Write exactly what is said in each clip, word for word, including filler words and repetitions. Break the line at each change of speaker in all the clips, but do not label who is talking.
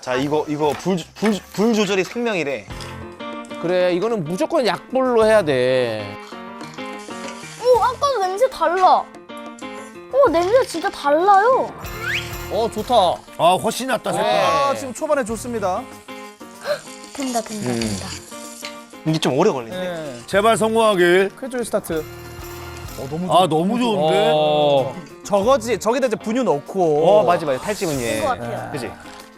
자 이거 이거 불, 불, 불 조절이 생명이래.
그래, 이거는 무조건 약불로 해야 돼.
오, 아까도 냄새 달라. 오, 냄새 진짜 달라요.
어, 좋다.
아 훨씬 낫다 색깔.
아, 지금 초반에 좋습니다.
된다, 된다,
음.
된다.
이게 좀 오래 걸리네.
네.
제발 성공하길.
크레조이 스타트. 어, 너무
아 너무 좋은데.
어.
저거지. 저기다 이제 분유 넣고.
어 맞지 맞지 탈지분유.
된 것 같아요.
그지?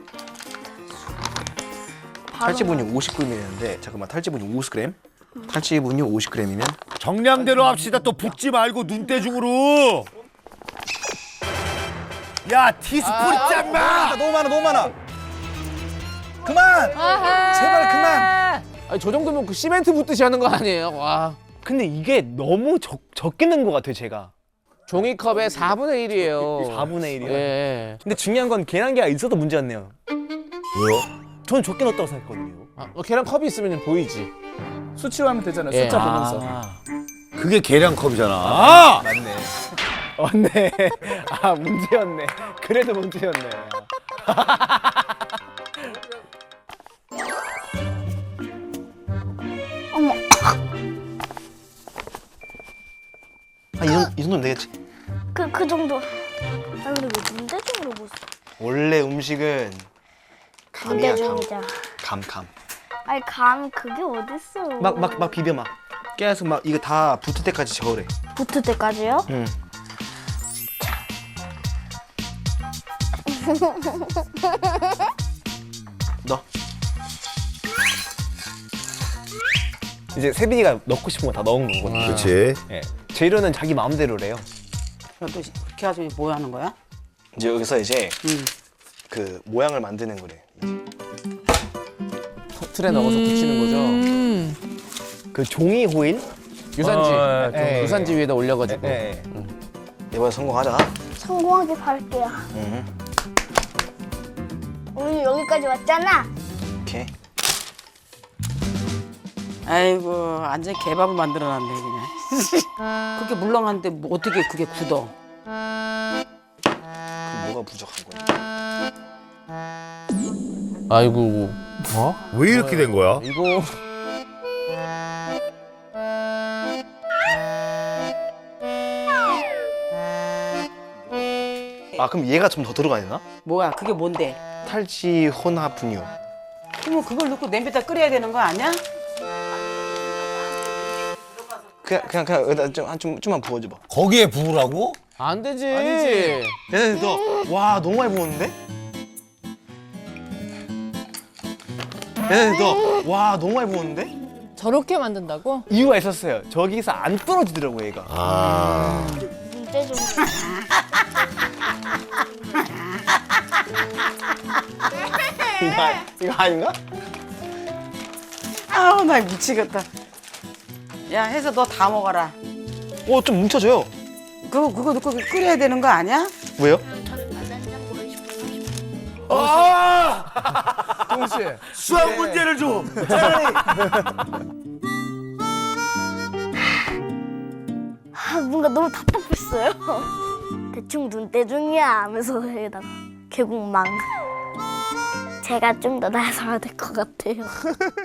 바로
탈지분유 오십 그램이었는데 잠깐만 탈지분유 오십 그램. 탈지분유 오십 그램이면
정량대로 합시다. 또 붓지 말고 눈대중으로. 야 티스푼 있잖아.
너무 많아, 너무 많아. 그만. 제발 그만.
아니, 저 정도면 그 시멘트 붓듯이 하는 거 아니에요? 와.
근데 이게 너무 적, 적게 넣은 것 같아요 제가.
종이컵의 사분의 일이에요.
사분의 일이요?
예.
근데 중요한 건 계란계가 있어도 문제였네요.
왜요?
저는 적게 넣었다고 생각했거든요.
아, 어, 계란 컵이 있으면 보이지.
수치로 하면 되잖아요.
예.
숫자
아.
보면서.
그게 계량컵이잖아. 아!
맞네. 맞네. 아 문제였네. 그래도 문제였네.
어머,
아이 정도 이 정도면 되겠지.
그, 그 정도. 아, 근데 왜 문대중으로 못 써?
원래 음식은 감이야 감.
문대중이자.
감 감.
아니, 감, 그게 어딨어.
막 막 막 비벼 막. 계속 막 이거 다 붙을 때까지 저으래.
붙을 때까지요?
응. 넣어. 이제 세빈이가 넣고 싶은 거 다 넣은 거거든요.
그렇지.
예. 재료는 자기 마음대로래요.
야, 너 그렇게 가지고 뭐 하는 거야?
이제 여기서 이제
응.
그 모양을 만드는 거래.
틀에 넣어서 붙이는 거죠.
그 종이 호일?
유산지.
어, 예, 예,
유산지 위에다 올려가지고.
예. 이번에 성공하자.
성공하길 바랄게요.
응.
우리 여기까지 왔잖아.
오케이.
아이고 완전 개밥을 만들어놨네 그냥. 그렇게 물렁한데 뭐 어떻게 그게 굳어?
그 뭐가 부족한 거야?
아이고.
왜 이렇게 된 거야?
이거.
아 그럼 얘가 좀 더 들어가야 되나?
뭐야 그게 뭔데?
탈지 혼합 분유.
그러면 그걸 넣고 냄비에다 끓여야 되는 거 아니야?
그냥 그냥 그냥 여기다 좀, 한 좀, 좀만 부어줘봐.
거기에 부으라고?
안 되지.
얘네 너와 너무 많이 부었는데? 얘네 너와 너무 많이 부었는데?
저렇게 만든다고?
이유가 있었어요. 저기서 안 떨어지더라고 얘가.
아.
문대중.
이거 아- 이거 아닌가?
아우 나 미치겠다. 야 해서 너 다 먹어라.
어좀 뭉쳐져요.
그거 그거 넣고 끓여야 되는 거 아니야?
왜요?
아!
동훈 씨.
수학 문제를 줘.
아, 뭔가 너무 답답했어요. 대충 눈대중이야 하면서 여기다가 계곡망. 제가 좀 더 나서야 될 것 같아요.